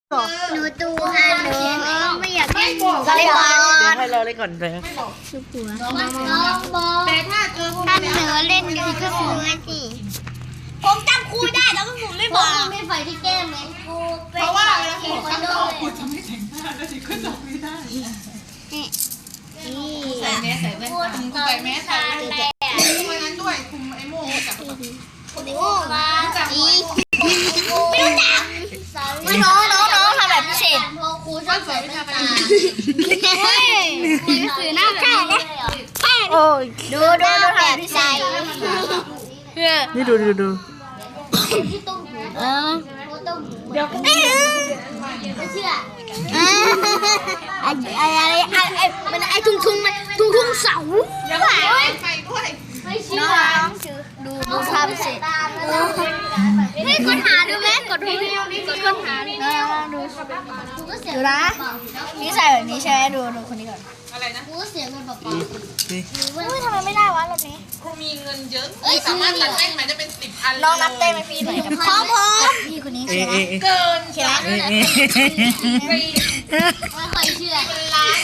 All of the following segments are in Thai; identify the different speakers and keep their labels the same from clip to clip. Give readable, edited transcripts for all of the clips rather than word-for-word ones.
Speaker 1: หนูดูค่ะหนูไม่อยากเล่นหนูก็เลยบอล
Speaker 2: เดี๋ยวให้เราเล่นก่อนเลย
Speaker 1: คือผัวน้องบอลแต่ถ้าเจอถ้าหนูเล่นอยู่ก็ซื้อมาสิผมจำครูได้แล้วก็ผมไม่บอกไม่ไฟที่แก้มเหมือนครูเพราะว่าเวลาผมจะตอบครูจะไม่แต่งหน้าแล้วดิก็ตอบไม่ได้ใส่แมสใส่แว่นตาใส่แมสใส่แว่นตาคุมนั้นด้วยคุมไอ้โม่จับคุมไอ้โม่มาจับไม่รู้จักน้องทำแบบพิเศษครูชอบใส่แว่นตาเฮ้ยสื่อหน้าแบบนี้
Speaker 2: โอ้ย
Speaker 1: ดูแบบพิเศษ
Speaker 2: นี่ดู
Speaker 1: เดี๋ยวไม่เชื่อมันไอ้ทุ่งเสาไม่เชื่อดูภาพเสร็จให้กดหาดูไหมกดหาดูนะนี่ใส่แบบนี้ใช่ไหมดูคนนี้ก่อนอะไรนะกูเสียเงินเปล่าทำไมไม่ได้วะรอบนี้กูมีเงินเยอะสามารถตัดได้ไหมจะเป็น10 อันน้องนับเต้นไหมพี่หน่อยพร้อมพี่คนนี้ใช่ไหมเกินใช่ไหมไม่ค่อยเชื่อล้าน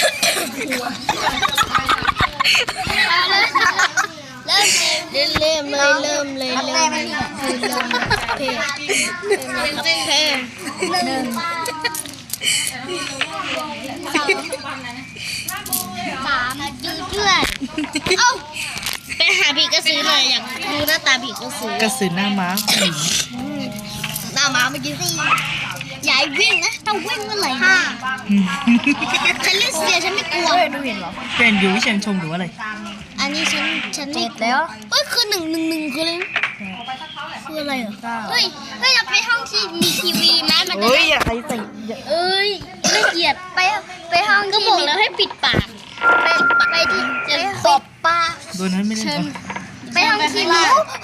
Speaker 1: เริ่ม3 ดูด้วยเอ้าไปหาผีกระสือหน่อยอยากดูหน้าตาผีกระสือก
Speaker 2: ระสือหน้าม้า
Speaker 1: หน้าม้าเมื่อกี้สิอย่าวิ่งนะถ้าวิ่งเมื่อไหร่ฉันเล่นเสียฉันไม่กลัวดูเห็นหรอ
Speaker 2: เป็นอยู่วิเชียนชมหรือว่าอะไร
Speaker 1: อันนี้ฉันไม่แล้วเฮ้ยคือ111คืออะไรคืออะไรเหรอเฮ้ยเราไปห้องที่มีทีวีไหมมันจะ
Speaker 2: เฮ้ยอย่าใครใส่
Speaker 1: เอ้ยไม่เกลียดไปห้องก็บอกแล้วให้ปิดปากไปที่จะตบปาก
Speaker 2: โดนนั้นไม่ได้หรอ
Speaker 1: ไปห้องทีวี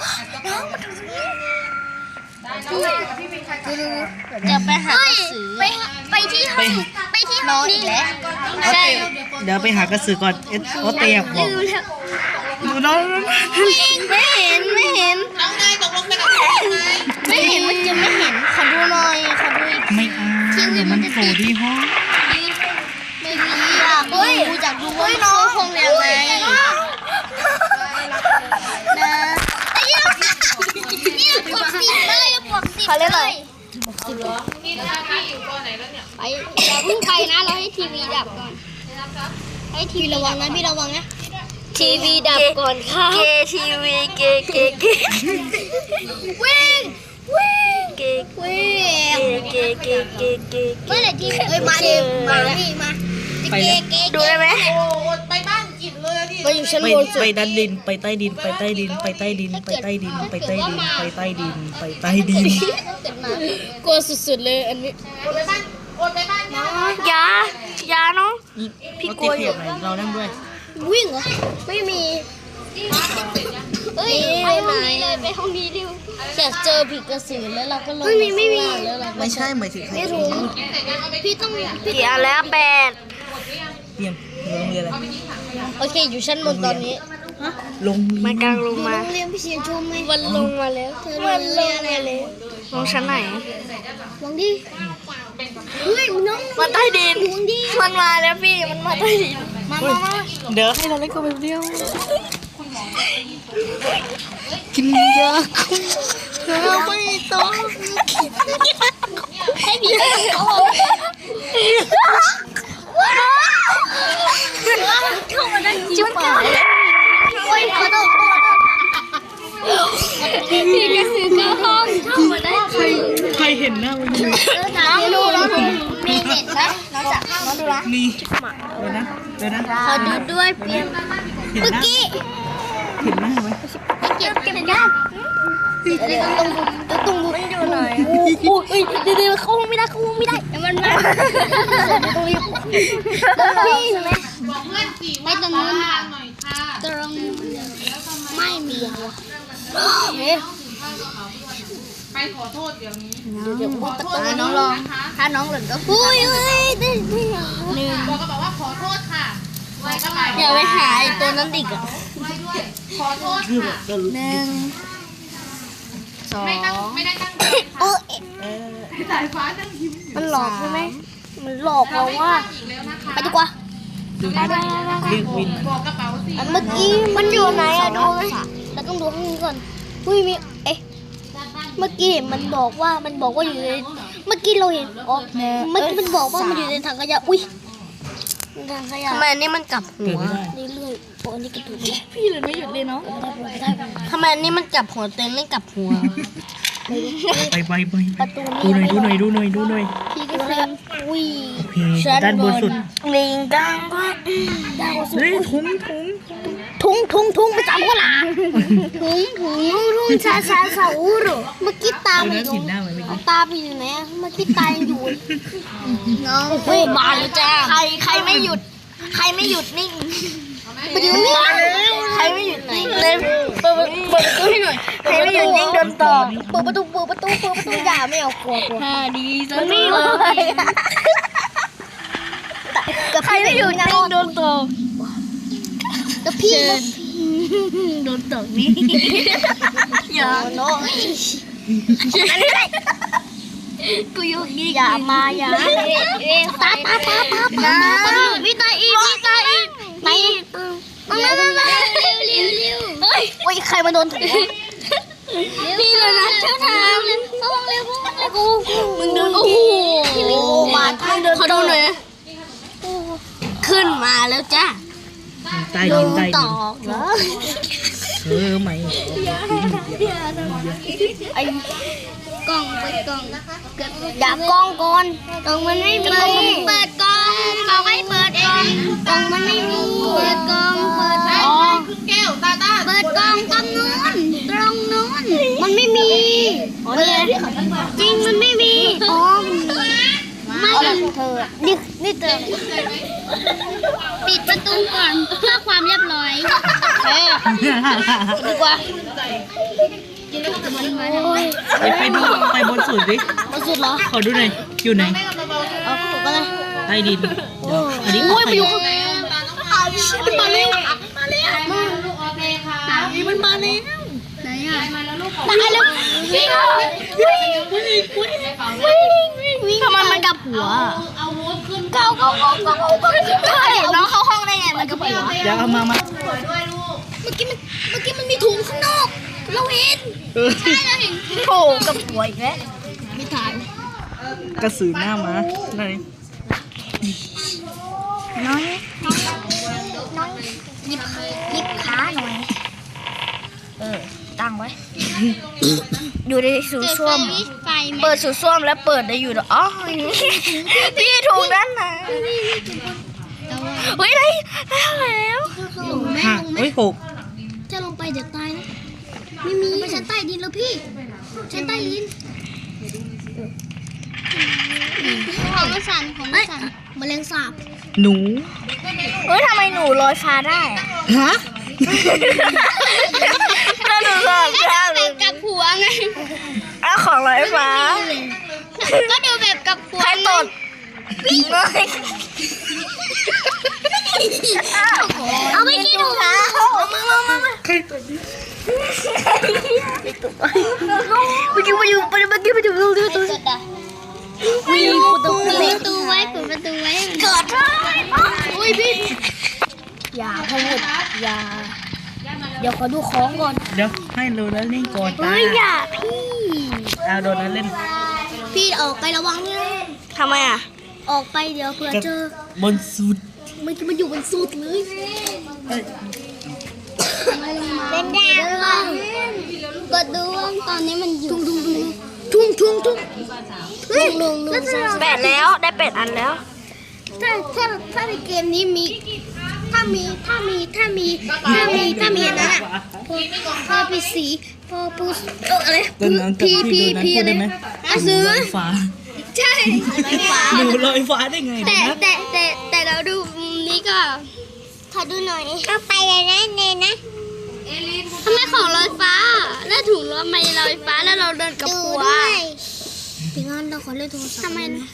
Speaker 1: จะไปหากระสือไปที่ห้องนี่แหละใช่
Speaker 2: เดี๋ยวไปหากระสือก่อนโอเตียบอกดูน้อง
Speaker 1: ไม่เห็นเอาไงตกลงกันไม่เห็นมันจะไม่เห็นขอดูหน่อยขอดูอีก
Speaker 2: ไม่เอาเดี๋ยวมันโผล่ที่ห้อง
Speaker 1: ไม่มีอ่ะเฮ้ยอยากดูว่าน้องคงยังไงนะไอ้ยังนี่ปวดสิเลยปวดสิเขาเล่นอะไรนี่นะพี่อยู่ตัวไหนแล้วเนี่ยไปอย่าเพิ่งไปนะเราให้ทีวีดับก่อนให้ทีวีระวังนะพี่ระวังนะทีวีดับก่อนค่ะเกทีวีเกวิ่งเกเมื่อไหร่ทีวีมาดิมาดูได้ไหมไปบ้านกินเลยดิไปอยู่ชั้นบนสุด
Speaker 2: ไปด้านดินไปใต้ดินไปใต้ดินไปใต้ดินไปใต้ดินไปใต้ดินไปใต้ดินไปใต้ดิน
Speaker 1: กลัวสุดๆเลยอันนี้โอนไปบ้านยาน้อง
Speaker 2: พี่กลัวอยู่เรานั่งด้วย
Speaker 1: วิ่งเหรอไม่มีเฮ้ยไปห้องนี้เลยไปห้องนี้ดิอยากเจอผีกระสือแล้วเราก็ลงไม่มี
Speaker 2: ไม่ใช่หมายถึงใคร
Speaker 1: พี่ต้องกี่อันแล้ว8
Speaker 2: เยี่ยมโรงเรียนอะไร
Speaker 1: โอเคอยู่ชั้นบนตอนนี้
Speaker 2: ลง
Speaker 1: มากลางลงมาโรงเรียนพี่เชียร์ชมไหมวันลงมาแล้ววันลงมาแล้วลงชั้นไหนลงดิเฮ้ยน้องมาใต้ดินมันมาแล้วพี่มันมาใต้ดินมา
Speaker 2: เดี๋ยวให้เราเล่นกันแบบเดียวกินยาคุมเธอไม่ต้อง
Speaker 1: ให้ผีโอ้เข้ามาได้จุ๊บโอ้ยขอโทษพี่กระสือเข้าห้องเข้ามาได้
Speaker 2: ใครเห็นหน้ามันอยู่
Speaker 1: น้องดูมีเน็ตไหมน้องจับน้องดูนะ
Speaker 2: มีเดี๋ยวนะ
Speaker 1: ขอดูด้วยเพียงเมื่อกี้
Speaker 2: เห็นหน้าไหม
Speaker 1: เก็บได้ตรงมันอยู่หน่อยโอ้ยเดี๋ยวเขาไม่ได้มันมาตรงนี้พี่ใช่ไหมไม่ตรงนู้นตรงไม่มี
Speaker 3: ไปขอโทษเดี๋ยวนี้
Speaker 1: น้องลองถ้าน้องหล่นก็อุ้ยได้
Speaker 3: บอกว่าขอโทษค่ะ
Speaker 1: อย่าไปหาตัวนั้นดิกอ่ะ
Speaker 3: ขอโทษค่ะ
Speaker 1: 1 2
Speaker 3: ไม่ได้ตั้ง
Speaker 1: โอ้
Speaker 3: สายฟ้านั่งยิ้ม
Speaker 1: มันหลอกใช่ไหมมันหลอกเราว่า
Speaker 3: อีกแล้วนะคะ
Speaker 1: ไปดีกว่า
Speaker 2: ดูนะเรียกวิน
Speaker 3: บอกกระเป๋าสิ
Speaker 1: เมื่อกี้มันอยู่ไหนอะดูไหมเราต้องดูข้างนี้ก่อนอุ้ยมีเมื่อกี้มันบอกว่าอยู่ในเมื่อกี้เราเห็นอ๋อเมื่อกี้มันบอกว่ามันอยู่ในถังขยะอุ้ยถังขยะทำไมอันนี้มันกลับหัวเรื่อยๆโอ้อันนี้กระตุกพี่เลยไม่หยุดเลยเนาะทำไมอันนี้มันกลับหัวเต็มไม่กลับหัว
Speaker 2: ไป
Speaker 1: ประตู
Speaker 2: ดูหน่อยดูหน่อย
Speaker 1: พี่ก็เลยอุ้ย
Speaker 2: โอเคด้านบนสุด
Speaker 1: ลิงดังก็ดังสุด
Speaker 2: เฮ้ยถุง
Speaker 1: ทุ่งประจำก็หลาทุ่งชาอูรุเมื่อกี้ตา
Speaker 2: ดู
Speaker 1: ไป
Speaker 2: นะ
Speaker 1: อยู่
Speaker 2: ผิดหน้าไหมเมื่อกี้
Speaker 1: ตาไปอยู่ไหนเมื่อกี้ตายังอยู่น้องโอ้มาแล้วจ้าใครไม่หยุดนิ่งไปอยู่นิ่งใครไม่หยุดนิ่งเลยเปิดประตูให้หน่อยใครไม่หยุดนิ่งโดนต่อเปิดประตูอย่าไม่เอากลัวดีมันไม่อยู่ใครไม่หยุดนิ่งโดนต่อแล้วพี่โดนตกนี่อย่าโน้อันนี้กูอยู่นี่อย่าตาพี่ตาอีกไหนมาเฮ้ยใครมาโดนถูนี่เลยนะเจ้าทางต้องเร็วกูมึงเดินโอ้โหมาเขาโดนเลยขึ้นมาแล้วจ้า
Speaker 2: ใต้ดิน
Speaker 1: ต่อเหรอ
Speaker 2: ไหม
Speaker 1: ไอ้กล้องไปกล้องอย่ากล้องก่อนกล้องมันไม่มีเปิดกล้องไม่เปิดเองกล้องมันไม่มีเปิดกล้องอ๋อ
Speaker 3: แก้วตาตา
Speaker 1: เปิดกล้องตรงนู้นมันไม่มีจริงมันไม่มีอ๋อไม่เธอนี่เธอปิดประตูก่อนเพื่อความเรียบร้อยดีกว่า
Speaker 2: ไปบนสุดดิ
Speaker 1: มาสุดเหรอ
Speaker 2: ขอดูหน่อยอยู่ไหน
Speaker 1: เอาไปเลย
Speaker 2: ใต้ดินอันนี้
Speaker 1: โอ้ย
Speaker 2: ไป
Speaker 1: มันอยู่ข้าง
Speaker 3: มันมาแล้วลูกโอเคค่ะ
Speaker 1: มันมาแล้วไหนอ่ะ
Speaker 3: มาแล้วลูก
Speaker 1: ตายแล้ววิ่งทำไมมันกับหัว
Speaker 3: เอาวุ้นขึ้น
Speaker 1: เก้าน้องเข้าห้องได้ไงมันกับหัว
Speaker 2: เดี๋ยวเอามา
Speaker 3: สวยด้วยลูก
Speaker 1: เมื่อกี้มันมีถุงข้างนอกเราเห็นใช่เราเห็นโผล่กับหัวอีกแล้วไม่ถ่าย
Speaker 2: กระสือหน้ามาไหน
Speaker 1: น้อยหยิบขาหน่อยตั้งไว้อยู่ในสูตรส้วมเปิดสูตรส้วมแล้วเปิดได้อยู่อ๋อพี่ถูกนั่นนะเฮ้ยได้แล้วลงไหม
Speaker 2: เฮ้ยหก
Speaker 1: จะลงไปเดี๋ยวตายนะไม่มีไปชั้นใต้ดินแล้วพี่ชั้นใต้ดินของมันสั่นแมลงสาบ
Speaker 2: หนู
Speaker 1: เฮ้ยทำไมหนูลอยฟ้าได้อะ
Speaker 2: ฮะ
Speaker 1: ถ้าหนูลอยฟ้าแบบกับหัวไงของลอยฟ้าก็ดูแบบกับหัวใครตดเอาไปกินหนูนะมา
Speaker 2: ใครตัวนี้
Speaker 1: เมื่อกี้มาอยู่ตัววิ่งประตูไว้เกิดเลยอุ้ยพี่อย่าพูดอย่าเดี๋ยวขอดูของก่อน
Speaker 2: เดี๋ยวให้โดนัทเล่นก่อนตา
Speaker 1: เฮ้ยอย่าพี่
Speaker 2: โดนัทเล่น
Speaker 1: พี่ออกไประวังเลยทำไมอ่ะออกไปเดี๋ยวเผื่อเจอบ
Speaker 2: นสุด
Speaker 1: มันอยู่บนสุดเลยเป็นดาวกดดูว่าตอนนี้มันอยู่ทุ่งแปดแล้วได้8 อันแล้วถ้าในเกมนี้มีถ้ามีอันนั้นอ่ะพอปีสีพอปูอะไร
Speaker 2: ต้นน้ำกับที่โดนัทพูดได้ไหม
Speaker 1: ซื้อ
Speaker 2: ลอยฟ้า
Speaker 1: ใช่
Speaker 2: หนูลอยฟ้าได้ไงนะ
Speaker 1: แต่เราดูนี้ก็ขอดูหน่อยก็ไปเลยนะเนนะทำไมของลอยฟ้าแล้วถุงทำไมลอยฟ้าแล้วเราเดินกับหัวถึงงั้นเราขอเล่นโทรศัพท์ทำไมนะ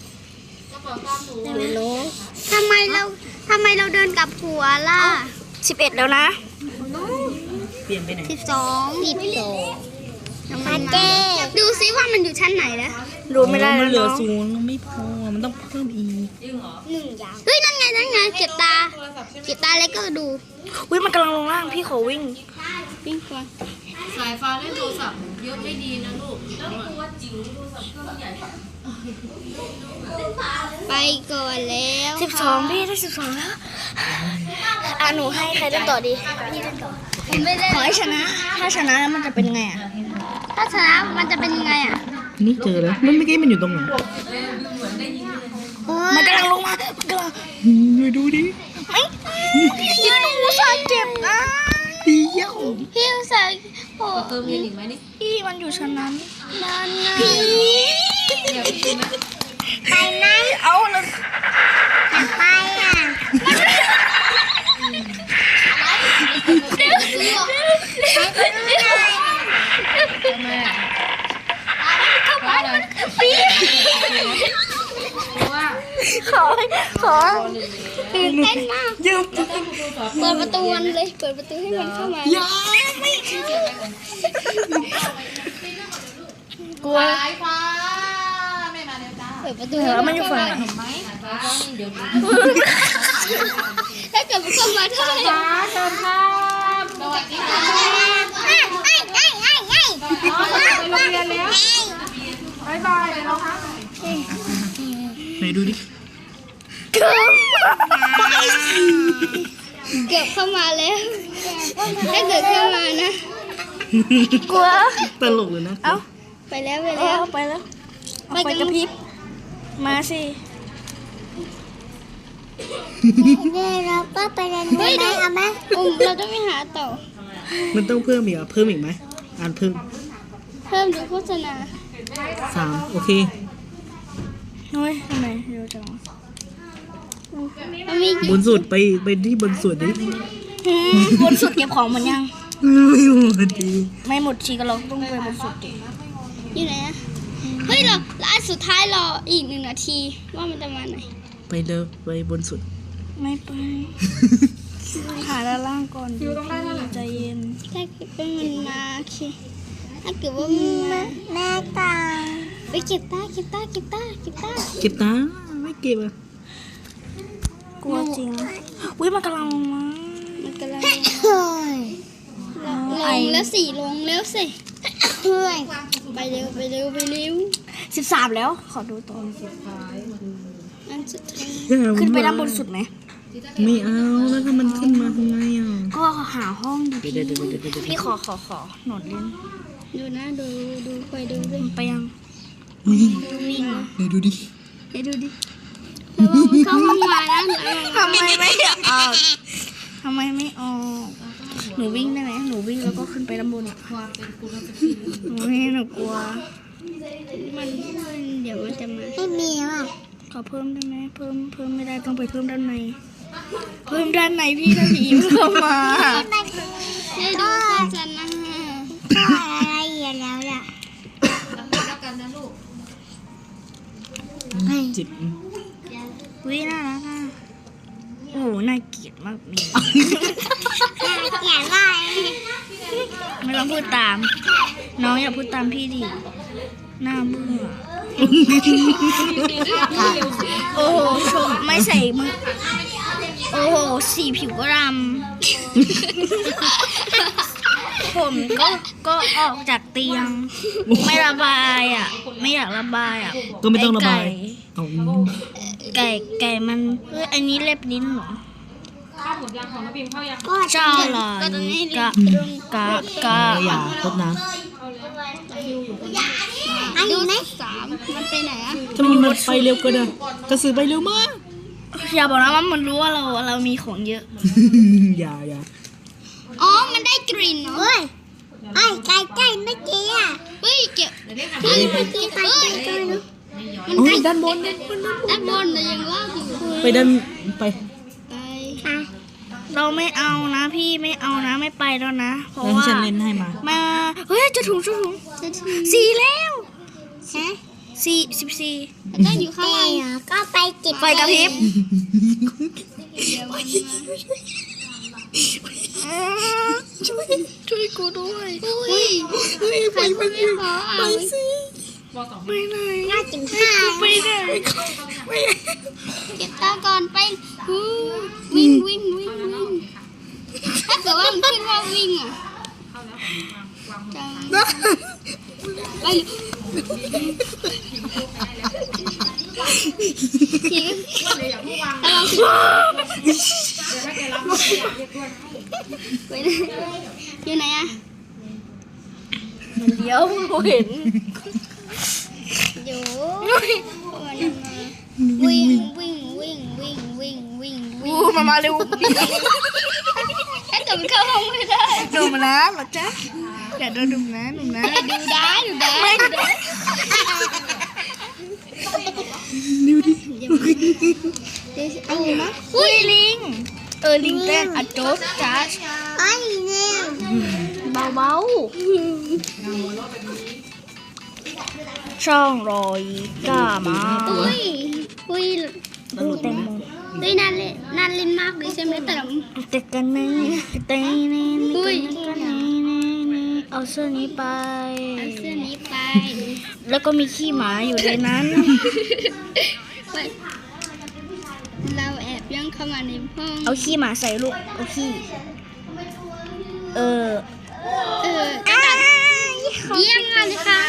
Speaker 1: ทำไมเราเดินกับหัวล่ะ11แล้วนะ
Speaker 2: เปลี่ยนไปไหน
Speaker 1: 12 ดูซิว่ามันอยู่ชั้นไหนแล้วดูไม่ได้
Speaker 2: มั
Speaker 1: แล้
Speaker 2: น
Speaker 1: ว
Speaker 2: เหลือ
Speaker 1: เนาะ
Speaker 2: ศูนย์ไม่พอมันต้องเพิ่มอีก
Speaker 3: เฮ้ยนั่นไงเก็บตาแล้วก็ดู
Speaker 1: อุ้ยมันกำลังลงล่างพี่ขอวิ่ง
Speaker 3: วิ่งก่อน
Speaker 4: สายฟ้าเล่นโทรศัพท์เยอะไม่ดีนะลูก แล้วกลัวจิ๋วโทรศัพท์เครื่องใหญ่
Speaker 3: ไปก่อนแล้ว
Speaker 1: 12พี่ได้12แล้วหนูให้ใครเล่นต่อดีพี่เล่นต่อ
Speaker 3: ผมไม่ได้
Speaker 1: ขอให้ชนะ ถ้าชนะแล้วมันจะเป็นไงอ่ะ
Speaker 3: ถ้าชนะมันจะเป็นยังไงอ่ะ
Speaker 2: นี่เจอแล้วมันเมื่อกี้มันอยู่ตรงไหน
Speaker 1: มันกำลังลงมามันกำลัง
Speaker 2: ไปดูดิ
Speaker 1: ยิงหนูสาเจ็บนะ
Speaker 2: เดียว
Speaker 3: พี่อุตส่าห์โอ้
Speaker 4: เติมเงินอีกไหมนี่
Speaker 1: พี่มันอยู่ชั้นนั้น
Speaker 3: นั่นนะ
Speaker 1: ไปไหมเอาแล้ว
Speaker 3: ไปอ่ะ
Speaker 1: ขอ
Speaker 3: ตื่นเต้นมาก
Speaker 1: ยืม
Speaker 3: เปิดประตูมันเลยเปิดประตูให้มันเข้ามา
Speaker 1: อย่าไม่ กลัว
Speaker 4: สายฟ้าไม่มาเร็วจ้า
Speaker 3: เปิดประตู
Speaker 1: มันอยู่ฝั่งไหน
Speaker 4: เห็นไหมสายฟ้าก็นี่เดี๋ยวดู
Speaker 3: ถ้าเกิดมันเข้ามาได้
Speaker 4: เชิญครับสวัสดีค่ะไปโรงเรียนแล้วบายบายเลยนะคะ
Speaker 2: ไหนดูดิ
Speaker 3: เกือบเข้ามาแล้วถ้าเกิดเข้ามานะ
Speaker 1: กลัว
Speaker 2: ตลกเลยนะ
Speaker 1: เอ้า
Speaker 3: ไปแล้ว
Speaker 1: ไปแล้ว ไปกระพริบมาสิ
Speaker 3: เราก็ไปเรียนรู้ไหมเอาไหมเราต้องไปหาต่อ
Speaker 2: มันต้องเพิ่มอีกอ่ะเพิ่มอีกไหมอ่านเพิ่ม
Speaker 3: เพิ่มดูโฆษณา
Speaker 2: 3โอเค
Speaker 1: เฮ้ยทำไมเร็วจัง
Speaker 3: มันมี
Speaker 2: บนสุดไปที่บนสุดดิ
Speaker 1: บนสุดเก็บของหมดยัง
Speaker 2: ไม่หมดดี
Speaker 1: ไม่หมดชีก็เราต้องไปบนสุดดิ
Speaker 3: อยู่ไหนอะเฮ้ยเราอันสุดท้ายรออีก1 นาทีว่ามันจะมาไหน
Speaker 2: ไปเร็วไปบนสุด
Speaker 1: ไม่ไปหาด้านล่างก่อนอยู่ตรงนั้นใจเย็น
Speaker 3: ถ้าเกิดว่ามันมาโอเคถ้าเกิดว่ามันมาแม่ตาไปเก็บตา
Speaker 2: เก็บตาไม่เก็บอ่ะ
Speaker 1: กลัวจริงอุ้ยมันกำลังลงมา
Speaker 3: มันกำลังลงแล้วสิลงแล้วสิไปเร็ว
Speaker 1: 13แล้ว ขอดูตัว
Speaker 3: อันสุดท้าย
Speaker 1: ขึ้นไปด้านบนสุดไหม
Speaker 2: ไม่เอาแล้วถ้ามันขึ้นมาทำไงอ่ะ
Speaker 1: ก็หาห้องดิ
Speaker 2: เดี๋ยว
Speaker 1: พี่ขอหนวดเล่น
Speaker 3: ดูนะดูไปดูด้วย
Speaker 1: ไปยัง
Speaker 3: วิ่งนะ
Speaker 2: เดี๋ยวดูดิ
Speaker 3: เดี๋ยวดูดิแล้วว่ามันเข้าห้องมานะ
Speaker 1: ทำไมไม่ออกทำไมไม่ออกหนูวิ่งได้ไหมหนูวิ่งแล้วก็ขึ้นไปด้านบนอ่ะหนูกลัว
Speaker 3: มันเดี๋ยวมันจะมาไม่มีว่ะ
Speaker 1: ขอเพิ่มได้ไหมเพิ่มไม่ได้ต้องไปเพิ่มด้านใน เพิ่มด้านในพี่ถ้าผีมันเข้ามา
Speaker 3: ได้ดูโฆษณาก็อะไรอย่างแล้วล่ะ
Speaker 4: แล้วกันนะลูก
Speaker 2: จิบ
Speaker 1: วิน่ารักอ่ะโอ้โหน่าเกลียดมากนี่
Speaker 3: เขียนว่า
Speaker 1: ไม่ต้องพูดตาม น้องอย่าพูดตามพี่ดิหน้าเบื่อโอ้โหชมไม่ใส่มือโอ้โหสีผิวก็ดำผมก็ออกจากเตียง ไม่ระบายอ่ะ ไม่อยากระบายอ่ะ
Speaker 2: ก็ไม่ต้องระบายเอา
Speaker 1: ไก่มันอันนี้เล็บลิ้นเหรอ
Speaker 4: ข้าวหมดยางของน้ำพิมพ์เข้ายัง
Speaker 1: เจ้าเหรอ
Speaker 3: ก็ตอนนี้
Speaker 1: กะ
Speaker 2: อย่าตบนะ
Speaker 3: อันนี้ไหม3มันไปไหนอ่ะ
Speaker 2: ถ้ามันไปเร็วก็ได้กระสือไปเร็วมาก
Speaker 1: อย่าบอกนะว่ามันรู้ว่าเรามีของเยอะ
Speaker 2: อย่า
Speaker 3: อ๋อมันได้กลิ่นเนาะเฮ้ยไอ้ไก่ไม่เกี่ยเฮ้ยเก็บเฮ้ยมันเฮ้ย
Speaker 2: โอ้ยด้านบน
Speaker 3: ด้านบนน่ะยังลากอยู่
Speaker 2: ไปด้านไป
Speaker 3: ไป
Speaker 1: เราไม่เอานะพี่ไม่เอานะไม่ไปแล้วนะ เพราะ
Speaker 2: แล้ว
Speaker 1: ว่า
Speaker 2: ฉันเล่นให้มา
Speaker 1: เฮ้ยจะถุง
Speaker 3: จะถึง
Speaker 1: 4แล้ว
Speaker 3: ฮะ
Speaker 1: 14
Speaker 3: แล้วก็อยู่ข้างล่างก็ไปจิบ
Speaker 1: ไฟกระพริบ
Speaker 3: เดี๋ยวมันมา
Speaker 1: ช่วยกูด้วย
Speaker 3: อุ้ยใครมันไม่ขออ่ะ
Speaker 2: สิ
Speaker 4: บ
Speaker 2: ไม่ไหน
Speaker 3: น่ากินข้าว
Speaker 2: ไม่ไหน
Speaker 3: เก็บตาก่อนไปวิ่งวิ่งวิ่งวิ่งถ้าเกิดว่ามันขึ้นว่าวิ่งอ่ะไปอยู่ไหนอ่ะ
Speaker 1: เดี๋ยวเราเห็น
Speaker 3: อยู่วิ่งวิ่งวิ่งวิ่งวิ่งวิ่งวิ่ง
Speaker 1: มาเร็ว
Speaker 3: ถ้าเกิดมันเข้าห้องไม่ได้
Speaker 1: ดูมานะหรอจ๊ะอย่าโดนดุนะหนูนะ
Speaker 3: ดูได้ดูได้ดูได้
Speaker 2: ดูดิ
Speaker 3: เอานะ
Speaker 1: อุ้ยลิงลิงเต้นอะโจ๊กจ้า
Speaker 3: ไอ้เนี่ย
Speaker 1: เบาช่องรอยก้ามา
Speaker 3: อุ้ยอุ้ย
Speaker 1: ดูแตงโม
Speaker 3: อุ้ยน่าเล่นน่าเล่นมากเลยใช่ไหมเติม
Speaker 1: แต่กันนี่แต่นี่
Speaker 3: อุ้ย
Speaker 1: เอาเสื้อนี้ไป
Speaker 3: เอาเสื้อนี้ไป
Speaker 1: แล้วก็มีขี้หมาอยู่ในนั้น
Speaker 3: เราแอบย่องเข้ามาในห้อง
Speaker 1: เอาขี้หมาใส่ลูกเอาขี้
Speaker 3: กระดาษเยี่ยมเลยค่ะ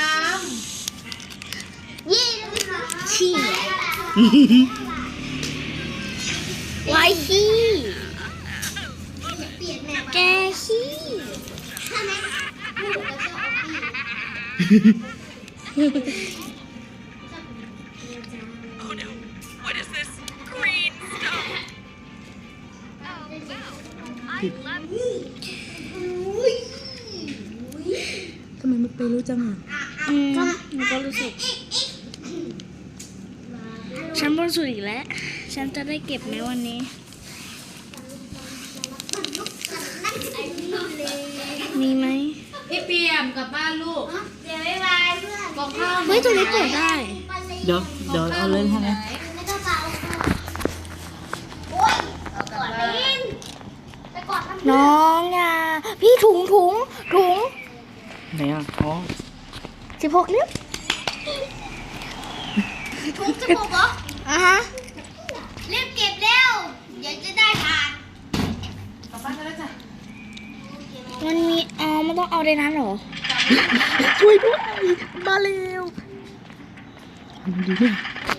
Speaker 3: เยี่ยมเลยค่ะ
Speaker 1: ขี้ไว้ขี้แกขี้
Speaker 2: ทำไมมันไปรู้จังอ่ะ
Speaker 1: หนูก็รู้สึกฉันบนสุดอีกแล้ว ฉันจะได้เก็บไหมวันนี้ มีไหม
Speaker 4: พี่เปียมกลับบ้านลูก
Speaker 3: เดี๋ยวบ๊ายบายเพื่อน
Speaker 4: บอกข้าว
Speaker 1: เฮ้ยตรงนี้เปิดได้
Speaker 2: เดี๋ยวเอาเล่นให้นะ
Speaker 3: ไม่ต้องเป่าโอ๊ยกอดเล่นจะกอดทำไม
Speaker 1: น้องอ่ะพี่ถุง
Speaker 2: ไหนอ่ะอ๋อ
Speaker 1: 16 นิ้ว
Speaker 3: ถุงจมูกเหรอ
Speaker 1: อ่ะฮะ
Speaker 3: รีบเก็บเร็วเดี๋ยวจะได้ทาน
Speaker 4: กลับบ้านกันแล้วจ้ะ
Speaker 1: มันมีมันต้องเอาในนั้นเหรอ ช่วยด้วย มาเร็ว
Speaker 2: ดูดิ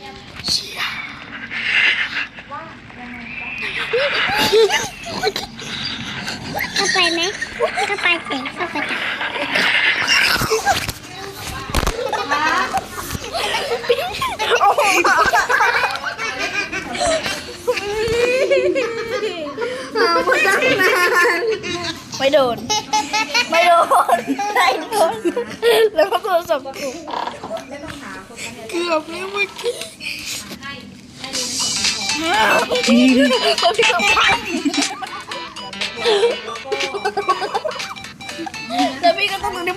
Speaker 3: เข้าไปไหมเข้าไปเสร็จเข้าไปจับ
Speaker 1: ไม่โดน แล้วก็โทรศัพท์ถูกเกือบแล้วเมื่อกี้แล้วพี่ก็ต้องดูดิ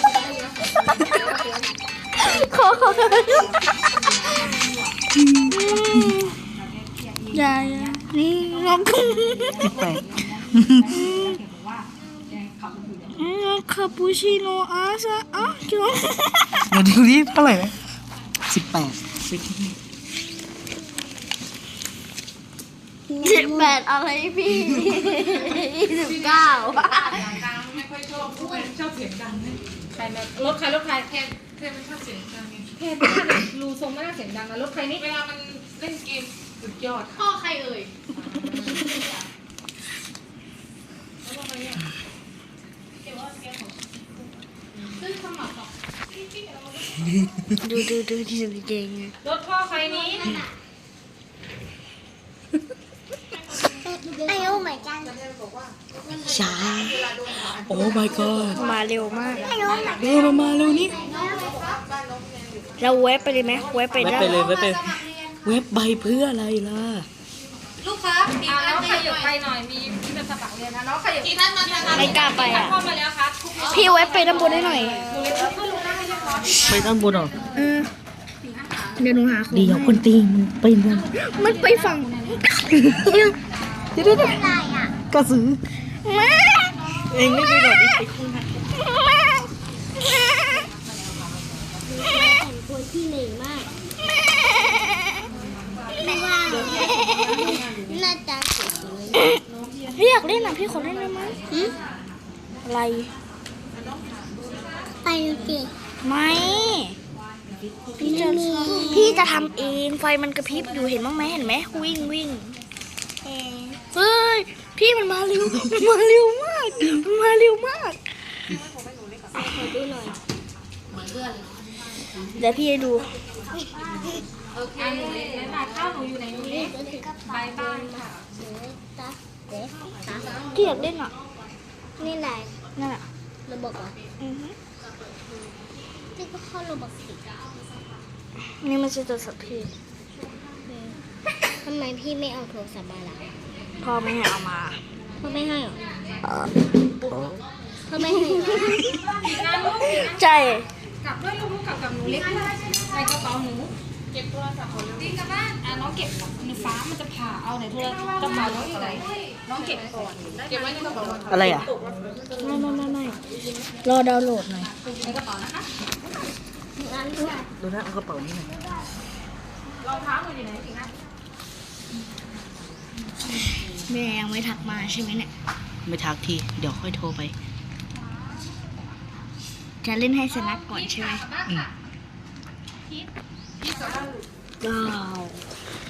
Speaker 1: อย่านี่งง
Speaker 2: แปลก
Speaker 1: คาปูชิโน่อาซาเกี่ยว
Speaker 2: เดี๋ยวดูดิเท่าไหร่นะ18
Speaker 1: 18อะไรพี่29
Speaker 4: ไม่ค่อยชอบชอบเสียงดังเนี่ยใครมารถใครแค่ไม่ชอบเสียงดังแค่ไม่น่ารูทรงไม่น่าเสียงดังนะรถใครนี่เวลามันเล่นเกมสุดยอดพ่อใครเอ่ย
Speaker 1: ดูที่สุดเก่ง
Speaker 4: รถพ่อใครนี้
Speaker 3: ไอ้โอ้ my god
Speaker 2: ช้าโอ้ my god
Speaker 1: มาเร็วมาก
Speaker 3: ไอ้โอ้ my
Speaker 2: เร็วมาเร็วนี่
Speaker 1: เราเว็บไปเลยไหมเว็บไป
Speaker 2: เว็บ
Speaker 1: ได้
Speaker 2: ไปเลยเว็บไปเว็บใบเพื่ออะไรล่ะ
Speaker 4: ลูกครับมีน้องขยับไปหน่อยมีที่เป็นสมัครเรียนนะน้องขยับที่ท่านมาทาง
Speaker 1: ไม่กล้าไปอ่ะ
Speaker 4: เข้ามาแล้วครับ
Speaker 1: พี่เว็บไปด้านบนได้หน่อย
Speaker 2: ไปด้านบนเหรอ
Speaker 1: เดี๋ยวหนูหาของ
Speaker 2: เดี๋ยวคนตีมันไปบน
Speaker 1: มันไปฝั่ง
Speaker 2: เดี๋ยว
Speaker 3: อะไรอ่ะ
Speaker 2: กระสือ
Speaker 1: แม่
Speaker 2: เองไม่ไปก่อนดิไปคู่นะ
Speaker 1: แม่
Speaker 3: พี่เหนื่อยมากไม่ว่าหน้าตาสวย
Speaker 1: พี่อยากเล่นอ่ะพี่ขอเล่นได้ไหม อะไร
Speaker 3: ไปสิ
Speaker 1: ไม่พี่จะทำเองไฟมันกระพริบอยู่เห็นบ้างไหมเห็นไหมวิ่งวิ่งเฮ้ยพี่มันมาเร็วมันมาเร็วมากมันมาเร็วมาก
Speaker 3: ขอดูหน่อย
Speaker 1: เดี๋ยวพี่ให้ดู
Speaker 4: โอเคบ๊ายบายข้าวหนูอยู่ไหนหนูเล็กบายบายค่ะ
Speaker 3: ตาเด็กตา
Speaker 1: พี่อยากเล่นอ่ะ
Speaker 3: นี่ไหน
Speaker 1: นั่นอ่ะ
Speaker 3: ระบบเหรอ
Speaker 1: อือฮึ
Speaker 3: พี่ก็เข้าระบบสิ
Speaker 1: นี่มันจะตัวสัตว์พี่
Speaker 3: ทำไมพี่ไม่เอาโทรศัพท์มาล่ะ
Speaker 1: พ่อไม่ให้เอามา
Speaker 3: พ่อไม่ให้หรอพ่อไม่ให้เหรอ
Speaker 4: งานลูก
Speaker 1: ใช่
Speaker 4: กลับด้วยลูกกลับกับหนูเล็กใส่กระเป๋าหนูเก็บโทรศัพท์ก่อนดีกลับบ้านน้องเก็บในฟ้ามันจะผ่าเอาไหนโทรศัพท์กระเป๋าน้องอยู่ไหนน้องเก็บก่อนเก็บไว้ในกระเป๋า
Speaker 2: อะไรอ่ะ
Speaker 1: ไม่รอดาวน์โหลดหน่อย
Speaker 4: ในกระเป๋านะคะ
Speaker 2: ดูนะเอากระเป๋านี่หน่อย
Speaker 4: รองเท้าหนูอยู่ไหนสิคะ
Speaker 1: แม่ยังไม่ทักมาใช่ไหมเนี่ย
Speaker 2: ไม่ทักที เดี๋ยวค่อยโทรไป
Speaker 1: จะเล่นให้สนักก่อนใช่ไหม
Speaker 2: อืม
Speaker 1: ว้าว